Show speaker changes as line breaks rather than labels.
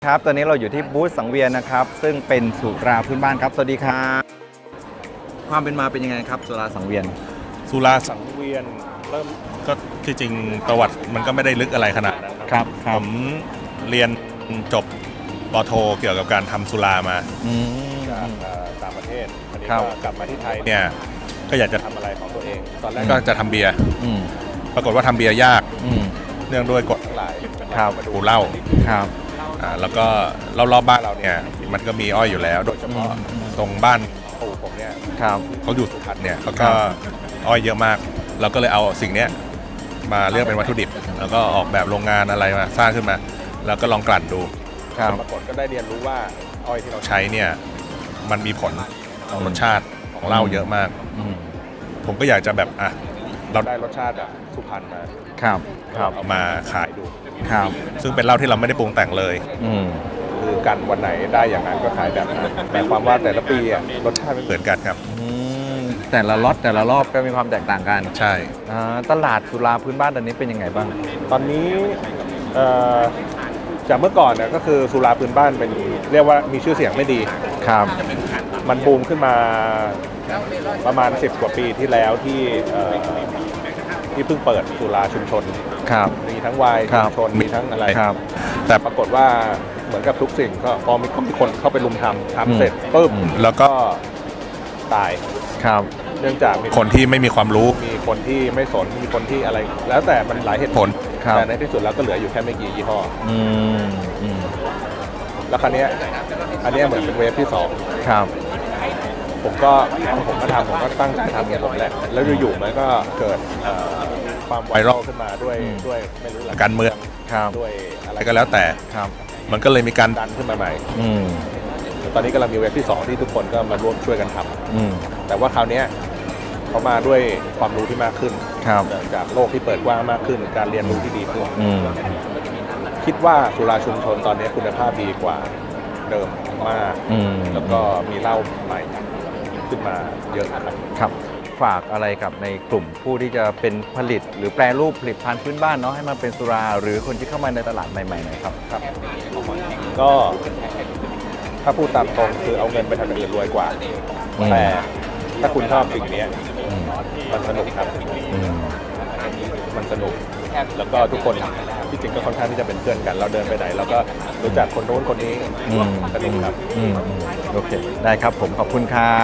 ครับตอนนี้เราอยู่ที่บูธสังเวียนนะครับซึ่งเป็นสุราพื้นบ้านครับสวัสดีครับความเป็นมาเป็นยังไงครับสุราสังเวียน
สุราสังเวียนเริ่มก็ที่จริงประวัติมันก็ไม่ได้ลึกอะไรขนาดนั้น
ครับ
ผมเรียนจบปโทเกี่ยวกับการทำสุรามาจากต่างประเทศอันนี้ก็กลับมาที่ไทยเนี่ยก็อยากจะทำอะไรของตัวเองตอนแรกก็จะทำเบียร์ปรากฏว่าทำเบียร์ยากเนื่องด้วยกฎทั้งหลายมาดูเหล้าแล้วก็รอบๆบ้านเราเนี่ยมันก็มีอ้อยอยู่แล้วโดยเฉพาะตรงบ้านปู่ผมเนี่ยเขาอยู่สุพรรณเนี่ยเขาก็อ้อยเยอะมากเราก็เลยเอาสิ่งนี้มาเลือกเป็นวัตถุดิบแล้วก็ออกแบบโรงงานอะไรมาสร้างขึ้นมาแล้วก็ลองกลั่นดูปรากฏก็ได้เรียนรู้ว่าอ้อยที่เราใช้เนี่ยมันมีผลต่อรสชาติของเหล้าเยอะมากผมก็อยากจะแบบเราได้รสชาติแบบสุพรรณมาเอามาขายดูซึ่งเป็นเหล้าที่เราไม่ได้ปรุงแต่งเลยคือกันวันไหนได้อย่างนั้นก็ขายแบบนั้นแต่ความว่าแต่ละปีรสชาติไม่เหมือนกันครับ
แต่ละล็อตแต่ละรอบก็มีความแตกต่างกัน
ใช่
ตลาดสุราพื้นบ้านตอนนี้เป็นยังไงบ้าง
ตอนนี้จากเมื่อก่อนเนี่ยก็คือสุราพื้นบ้านเป็นเรียกว่ามีชื่อเสียงไม่ดีมันบูมขึ้นมาประมาณ10 กว่าปีที่แล้วที่เพิ่งเปิดสุราชุมชนมีทั้งวายชุมชนมีทั้งอะไรแต่ปรากฏว่าเหมือนกับทุกสิ่งก็พอมีคนเข้าไปลุมทำเสร็จปุ๊บแล้วก็ตายเนื่องจากมีคนที่ไม่มีความรู้มีคนที่ไม่สนมีคนที่อะไรแล้วแต่มันหลายเหตุผลแต่ในที่สุดแล้วก็เหลืออยู่แค่ไม่กี่ยี่ห้อแล้วคราวนี้อันนี้เหมือนเป็นเวฟที่2ผมก็ตั้งใจทำอย่างผมแหละแล้วอยู่ๆมันก็เกิดความไวรัลขึ้นมาด้วยไม่รู้ละการเมืองด้วยอะไรก็แล้วแต่มันก็เลยมีการดันขึ้นมาใหม่ตอนนี้กำลังมีเว็บที่2ที่ทุกคนก็มาร่วมช่วยกันทำแต่ว่าคราวนี้เขามาด้วยความรู้ที่มากขึ้นจากโลกที่เปิดกว้างมากขึ้นการเรียนรู้ที่ดีขึ้นคิดว่าสุราชุมชนตอนนี้คุณภาพดีกว่าเดิมมากแล้วก็มีเหล้าใหม่ขึ้นมาเยอะ
ครับฝากอะไรกับในกลุ่มผู้ที่จะเป็นผลิตหรือแปรรูปผลิตภัณฑ์พื้นบ้านเนาะให้มันเป็นสุราหรือคนที่เข้ามาในตลาดใหม่ๆหน่อยครับ
ก็ถ้าพูดตามตรงคือเอาเงินไปทำอย่างอื่นรวยกว่าแต่ถ้าคุณชอบสิ่งนี้มันสนุกครับมันสนุกแล้วก็ทุกคนที่จริงก็ค่อนข้างที่จะเป็นเพื่อนกันเราเดินไปไหนเราก็รู้จักคนโน้นคนนี้สนุกครับ
โอเคได้ครับผมขอบคุณครับ